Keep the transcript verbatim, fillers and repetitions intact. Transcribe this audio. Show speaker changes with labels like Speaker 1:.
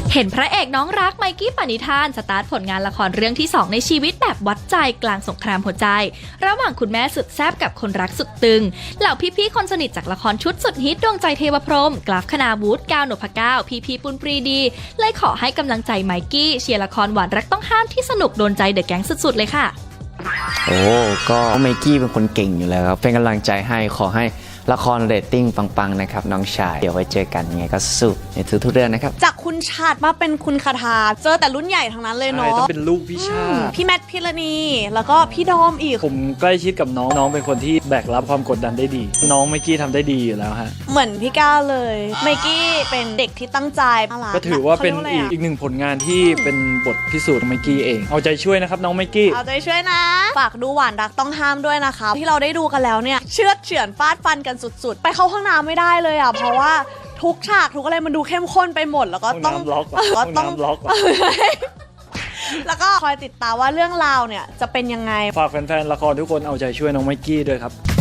Speaker 1: เห็นพระเอกน้องรักไมกี้ปณิธานสตาร์ทผลงานละครเรื่องที่สองในชีวิตแบบวัดใจกลางสงครามหัวใจระหว่างคุณแม่สุดแซ่บกับคนรักสุดตึงเหล่าพี่ๆคนสนิทจากละครชุดสุดฮิตดวงใจเทวพรหมกราฟคณาวุฒิก้าวนพเก้าพีพีปุณปรีดีเลยขอให้กำลังใจไมกี้เชียร์ละครหวานรักต้องห้ามที่สนุกโดนใจเดอะแก๊งสุดๆเลยค่ะ
Speaker 2: โอ้ก็ไมกี้เป็นคนเก่งอยู่แล้วครับเป็นกำลังใจให้ขอให้ละครเรตติ้งปังๆนะครับน้องชายเดี๋ยวไว้เจอกันยังไงก็สู้ในทุกๆเรื่องนะครับ
Speaker 3: จากคุณชาติมาเป็นคุณคาทาเจอแต่รุ่นใหญ่ทั้งนั้นเลยเนาะ
Speaker 4: ต้องเป็นลูกพี่ชาติ
Speaker 3: พี่แมทพิรณีแล้วก็พี่ดอมอีก
Speaker 4: ผมใกล้ชิดกับน้องน้องเป็นคนที่แบกรับความกดดันได้ดีน้องไมกี้ทำได้ดีอยู่แล้วฮะ
Speaker 3: เหมือนพี่ก้าวเลยไมกี้เป็นเด็กที่ตั้งใจ
Speaker 4: ก็ถือว่าเป็นอีกอีกหนึ่งผลงานที่เป็นบทพิสูจน์ไมกี้เองเอาใจช่วยนะครับน้องไมกี้
Speaker 3: เอาใจช่วยนะฝากดูหวานรักต้องห้ามด้วยนะคะที่เราได้ดูกันแล้วเนี่ยเชือดเฉือนฟาดฟันกันสุดๆไปเข้าห้องน้ำไม่ได้เลยอ่ะเพราะว่าทุกฉากทุกอะไรมันดูเข้มข้นไปหมดแล้วก็ต้อง
Speaker 4: ก็ต้องล็อก
Speaker 3: แล้วก็คอยติดตามว่าเรื่องราวเนี่ยจะเป็นยังไง
Speaker 4: ฝากแฟนๆละครทุกคนเอาใจช่วยน้องไมกี้ด้วยครับ